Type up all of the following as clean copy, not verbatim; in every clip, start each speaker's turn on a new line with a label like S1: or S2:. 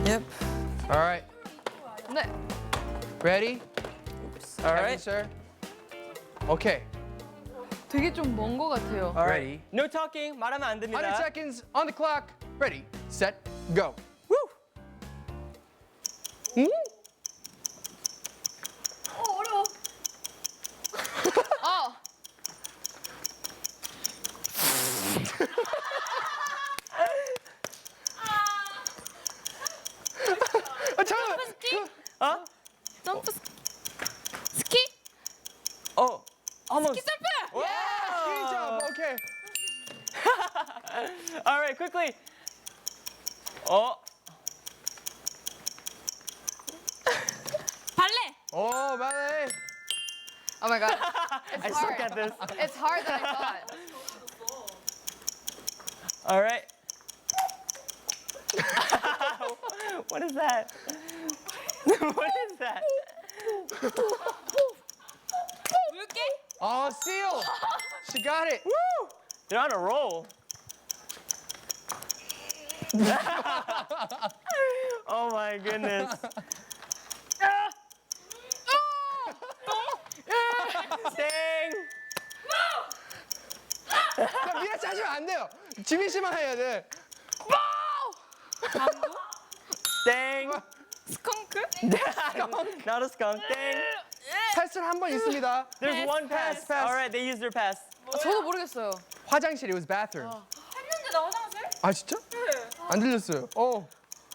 S1: Yep.
S2: All right.
S3: 네.
S2: Ready?
S1: All
S2: Kevin,
S1: right.
S2: sir. Okay.
S3: 되게 좀 먼 거 같아요.
S1: All
S2: Ready.
S1: right. No talking. 말하면 안
S2: 100
S1: 됩니다.
S2: seconds on the clock. Ready, set, go.
S1: Woo!
S3: 어.
S2: 잠깐만.
S1: 어?
S3: 점프 스키?
S1: Oh. Almost.
S3: 점프!
S2: Good job. Okay.
S1: All right, quickly. Oh.
S3: 발레.
S2: Oh, ballet.
S3: Oh my god.
S1: I suck at this.
S3: It's hard than I thought.
S1: All right. What is that? What is that?
S3: 물개?
S2: Oh, seal. She got it.
S1: Woo! They're on a roll. Oh my goodness. Dang.
S2: 자, 미라씨 하시면 안 돼요. 지민 씨만 해야 돼.
S1: Dang.
S3: 스컹크?
S1: Not a skunk. Dang.
S2: 패스는 한 번 있습니다.
S1: There's one pass.
S2: pass.
S1: All right, they used their pass.
S3: 저도 모르겠어요.
S2: 화장실, it was bathroom.
S4: 했는데 나 화장실?
S2: 아, 진짜? 안 들렸어요. 어.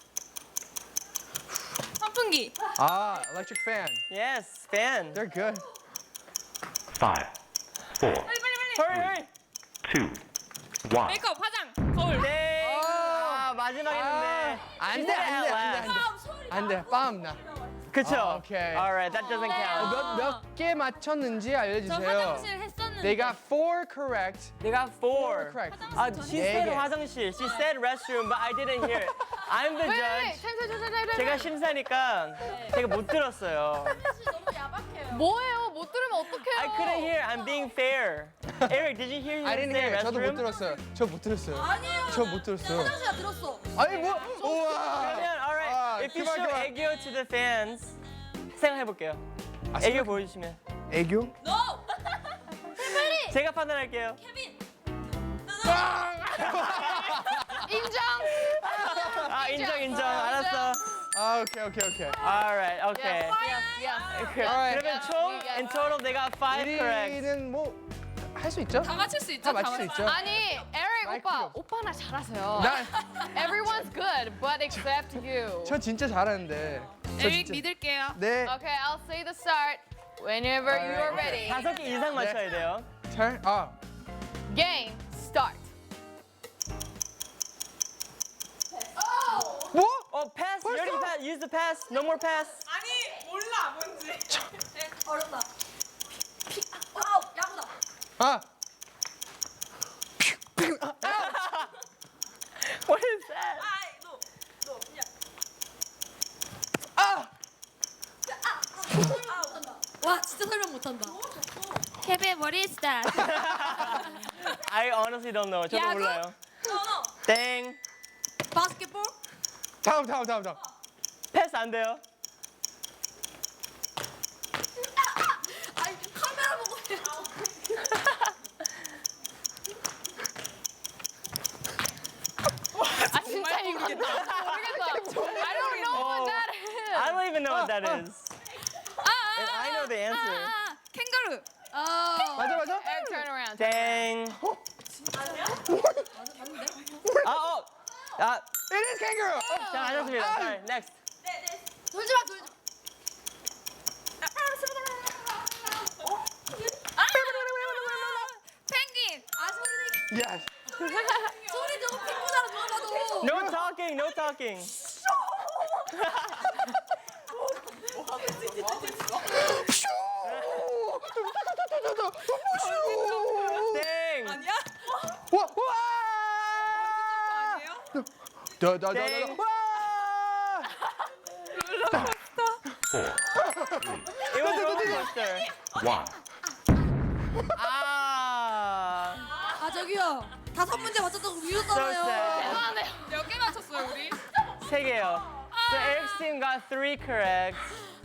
S4: 선풍기.
S2: 아, electric fan.
S1: Yes, fan.
S2: They're good.
S5: 5, 4,
S1: Hurry, hurry.
S5: 2, 1.
S4: 메이크업, 화장, 거울.
S1: Dang. 아, 마지막 했는데.
S2: 안 돼, 안 돼, 안 돼, 안 돼. 안 돼, 빰 나.
S1: 그쵸?
S2: 아, 오케이.
S1: All right, that doesn't count.
S2: 몇 개 맞췄는지
S4: 저
S2: 알려주세요.
S4: 화장실 했었는데.
S2: They got 4 correct.
S1: They got 4.
S2: correct.
S1: She said
S2: 개.
S1: 화장실. She said restroom, but I didn't hear it. I'm the judge. 제가 심사니까 제가 못 들었어요.
S4: 화장실 너무 야박해요.
S3: 뭐예요? 못 들으면 어떡해요?
S1: I couldn't hear. I'm being fair. Eric, did you hear him
S2: I didn't
S1: say
S2: hear. 저도 못
S1: restroom?
S2: 들었어요. 저 못 들었어요.
S4: 아니에요.
S2: 저 못 들었어요.
S4: 화장실에 들었어.
S2: 아니 뭐? 우와.
S1: 그러면 all right.
S2: 아,
S1: If you
S2: 그만,
S1: show
S2: 그만.
S1: 애교 to the fans, 생각해 볼게요.
S2: 아,
S1: 애교 보여주시면
S2: 애교?
S4: No.
S1: 제가 판단할게요.
S4: 케빈.
S3: 인정.
S1: 아 인정. 알았어.
S2: 아, 오케이, 오케이, 오케이.
S1: All right. Okay.
S3: Yes.
S1: 그러면 총
S3: Yes.
S1: in total they got 5 correct.
S2: 1위는 뭐 할 수 있죠?
S4: 다 맞출 수 있죠?
S2: 다 맞출 수 있죠?
S3: 아니, 에릭
S2: 마이크
S3: 오빠,
S2: 필요 없어.
S3: 오빠나 잘하세요.
S2: 나,
S3: Everyone's good, but except you.
S2: 저 진짜 잘하는데. 저
S4: 에릭
S2: 진짜-
S4: 믿을게요.
S2: 네.
S3: Okay, I'll say the start whenever you are ready.
S1: 5개 이상 맞춰야 돼요.
S2: 잘, 아.
S3: Game start.
S2: 뭐?
S1: Oh, pass. You
S2: 벌써?
S1: already pass. Use the pass. No more pass.
S4: 아니 몰라 뭔지. 어렵다. 와우 야구다.
S2: 아.
S1: What is that?
S4: 아이 너 야.
S2: 아.
S4: 와 진짜 설명 못한다. 케빈 what is that?
S1: I honestly don't know. 저도
S4: 야구?
S1: 몰라요.
S4: no.
S1: 땡.
S4: 바스켓볼?
S2: 다음.
S1: 패스 안 돼요.
S4: 아니 카메라 보고 해.
S3: 아 진짜 이거 모르겠어. I don't know what that is.
S1: I don't even know what that is. And I know the answer.
S4: 캥거루.
S2: 맞아?
S3: Eric, turn around.
S1: 땡. 아,
S2: It is kangaroo.
S1: 자, 맞았습니다. Sorry, next.
S4: 돌지 마. 펭귄. 소리
S2: Yes.
S4: 소리 저거 펭귄이랑 누가 봐도.
S1: No talking, no talking. 땡.
S4: 아니야?
S2: 와!
S4: 아니에요?
S2: 더더더더.
S1: 땡.
S2: 와!
S1: It was roller coaster.
S5: 1.
S1: 아.
S4: 아 저기요. 5문제 맞췄다고
S1: So
S4: 미웠잖아요.
S1: sad.
S3: 대단하네요.
S4: 몇 개 맞췄어요 우리?
S1: 3개요. So Eric's team got 3 correct.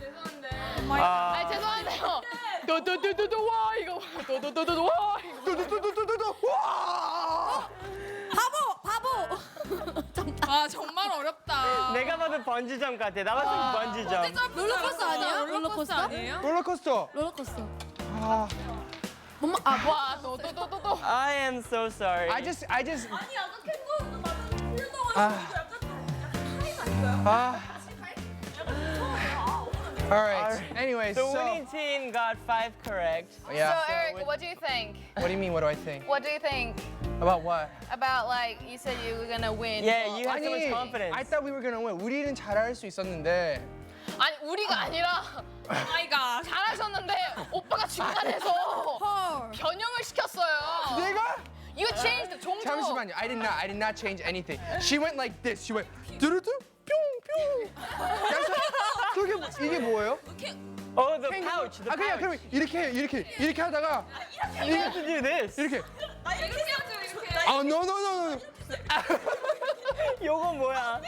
S3: 아, 죄송한데요. 도도도도도 와 이거 도도도도도 와 이거.
S2: 뚜두뚜두뚜두. 와!
S4: 바보.
S3: 아 정말 어렵다.
S1: 내가 봐도 번지점 같아. 나 봐도 번지점.
S4: 롤러코스터 아니에요? 롤러코스터
S3: 아니에요?
S2: 롤러코스터.
S4: 롤러코스터.
S2: 아,
S3: 와 도도도도도.
S1: I am so sorry.
S2: I just.
S4: 아니 아까 캥거루도 막 틀렸다고
S2: 아. 아. All right. Anyways,
S1: The
S2: so
S1: winning team got 5 correct.
S2: yeah.
S3: So Eric, what do you think?
S2: What do you mean? What do I think?
S3: What do you think
S2: About what?
S3: about like you said you were gonna win?
S1: Yeah, you had so much
S2: 아니,
S1: confidence.
S2: I thought we were gonna win. 우리는 잘할 수 있었는데.
S3: 아니 우리가 아니라 아이가 잘하셨는데 오빠가 중간에서
S4: 헐.
S3: 변형을 시켰어요.
S2: 내가?
S3: You changed the 종조.
S2: 잠시만요. I did not change anything. She went like this. She went 뚜루뚜 뿅뿅. 그래서 그게 이게 뭐예요?
S1: Oh, the pouch. The
S2: 아 그냥
S1: pouch.
S2: 그럼 이렇게 하다가
S1: You have to do this.
S2: 이렇게.
S3: 이렇게
S2: 아 no.
S1: 요거 뭐야?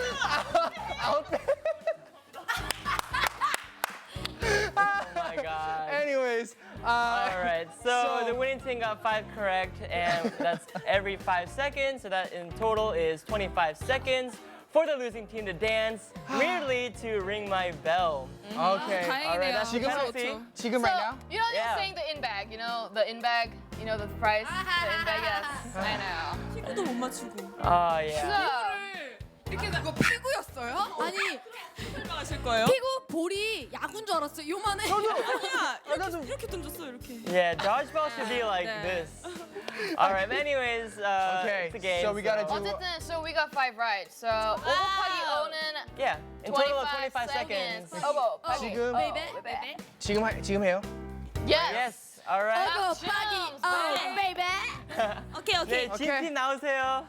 S1: Oh my god.
S2: Anyways,
S1: All right, so
S2: So-
S1: the winning team got 5 correct, and that's every 5 seconds. So that in total is 25 seconds for the losing team to dance weirdly to Ring My Bell.
S2: okay.
S1: All right, that's the
S2: 지금
S1: penalty.
S2: 지금
S3: So
S2: right now?
S3: you know
S1: Yeah.
S3: you're saying the in bag. You know the in bag. You know the price. The in bag. Yes, I know.
S4: 피구도 못 맞추고.
S1: Oh yeah.
S3: So
S6: 이렇게 이거 피구였어요?
S4: 아니
S6: 설명하실 거예요?
S4: 피구 볼이 야구인 줄 알았어요. 요만해.
S6: 아니야 이렇게 던졌어 이렇게.
S1: Yeah, dodgeball should be like this. All right, anyways,
S2: Okay,
S1: it's a game.
S2: so we gotta do-
S3: 어쨌든 so we got 5 right. So 5 곱하기 5는
S1: Yeah, in total of 25 seconds.
S3: 5 곱하기
S2: 지금-
S3: 5.
S4: 베이베.
S2: 지금 해요?
S3: Yes.
S1: Yes, all right.
S4: 어고 빠기. 어 베이베.
S6: 오케이 오케이.
S1: 네, 진팀 나오세요.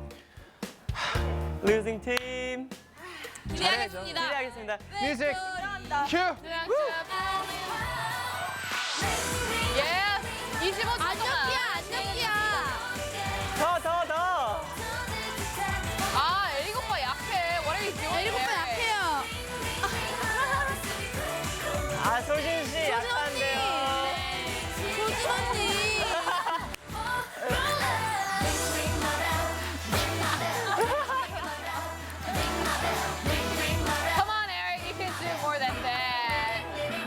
S1: Losing team.
S6: 기대하겠습니다.
S1: 기대하겠습니다.
S2: 뮤직 큐.
S3: Yes. 25초 동안.
S4: 안녕이야.
S1: 더.
S3: 아, 에릭 오빠 약해. What are you doing?
S4: 에릭 오빠
S3: there?
S4: 약해요.
S1: 아, 소진 씨 약한데요.
S4: 소진 언니.
S3: Come on, Eric. You can do more than that.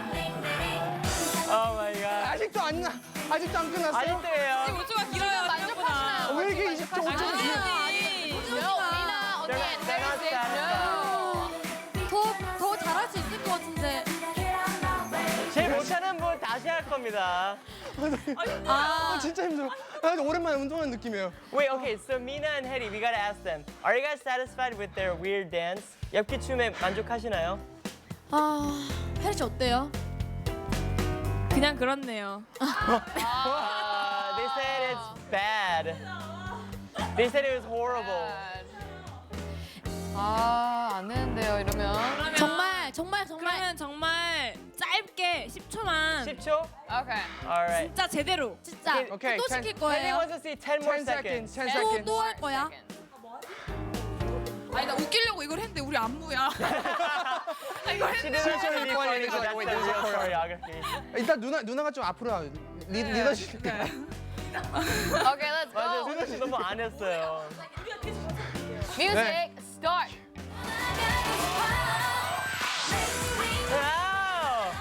S1: Oh my god.
S2: 아직도 안 끝났어요?
S1: 아직도예요.
S6: 5초가 길어요
S3: 만족하시나요?
S2: 왜 이렇게 25초?
S3: No, Mina 언니 and
S1: They're not
S3: 36. No.
S4: 더 잘할 수 있을 것 같은데.
S1: 제일 못하는 분 다시 할 겁니다.
S2: 진짜 힘들어. 나 오랜만에 운동하는 느낌이에요.
S1: Wait, okay, so Mina and Hedy, we gotta ask them. Are you guys satisfied with their weird dance? 엽기 춤에 만족하시나요?
S4: 아 혜리 씨 어때요?
S6: 그냥 그렇네요.
S1: They said it's bad. They said it was horrible.
S3: 아, 안 되는데요, 이러면.
S4: 정말
S6: 그러면 정말 짧게 10초만
S1: 10초?
S3: Okay.
S1: Alright.
S6: 진짜 제대로.
S4: 진짜
S2: 오케이,
S4: 또
S2: ten-
S4: 시킬
S1: Hedy
S4: 거예요.
S1: wants to see 10 more
S2: 10
S1: seconds.
S2: seconds. 10 seconds.
S4: 또 할 거야?
S6: 아니 나 웃기려고 이걸 했는데 우리 안무야.
S1: She didn't want to be funny, but that's the real choreography.
S2: 일단 누나가 좀 앞으로 와. 리더십.
S3: Okay, let's
S1: 맞아요,
S3: go.
S1: 소진 씨 너무 안 했어요.
S3: Music, start.
S1: Wow!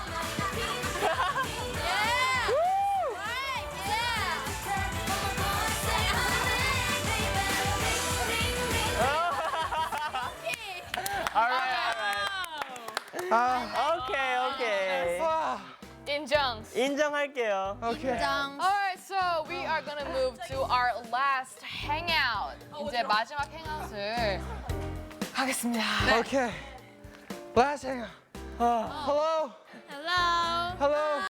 S1: Alright.
S2: 아,
S1: Okay.
S2: 와,
S3: 인정.
S1: 인정할게요.
S2: 오케이.
S3: Alright, so we are gonna move to our last hangout. 이제 마지막 hangout을 가겠습니다.
S2: 오케이. Last hang. Hello.
S6: Hello.
S2: Hello.